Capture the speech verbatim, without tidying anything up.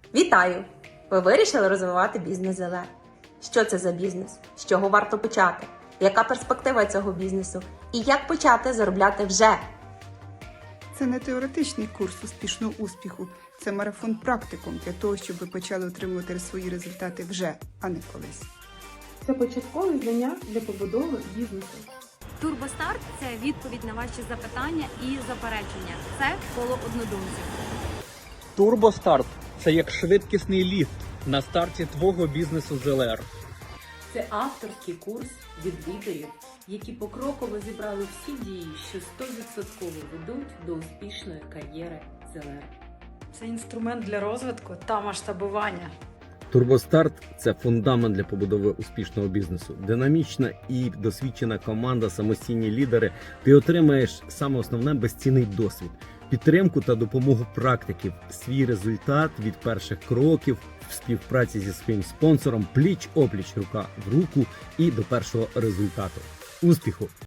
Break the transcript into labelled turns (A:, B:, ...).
A: Вітаю! Ви вирішили розвивати бізнес зе ел ер. Що це за бізнес? З чого варто почати? Яка перспектива цього бізнесу? І як почати заробляти вже?
B: Це не теоретичний курс успішного успіху, це марафон практикум для того, щоб ви почали отримувати свої результати вже, а не колись.
C: Це початкові знання для побудови бізнесу.
D: Турбостарт – це відповідь на ваші запитання і заперечення. Це коло однодумців.
E: Турбостарт – це як швидкісний ліфт на старті твого бізнесу зе ел ер.
F: Це авторський курс від лідерів, які покроково зібрали всі дії, що сто відсотків ведуть до успішної кар'єри зе ел ер.
G: Це інструмент для розвитку та масштабування.
H: Турбостарт – це фундамент для побудови успішного бізнесу. Динамічна і досвідчена команда, самостійні лідери. Ти отримаєш саме основне – безцінний досвід, підтримку та допомогу практиків, свій результат від перших кроків в співпраці зі своїм спонсором, пліч-опліч, рука в руку і до першого результату. Успіху!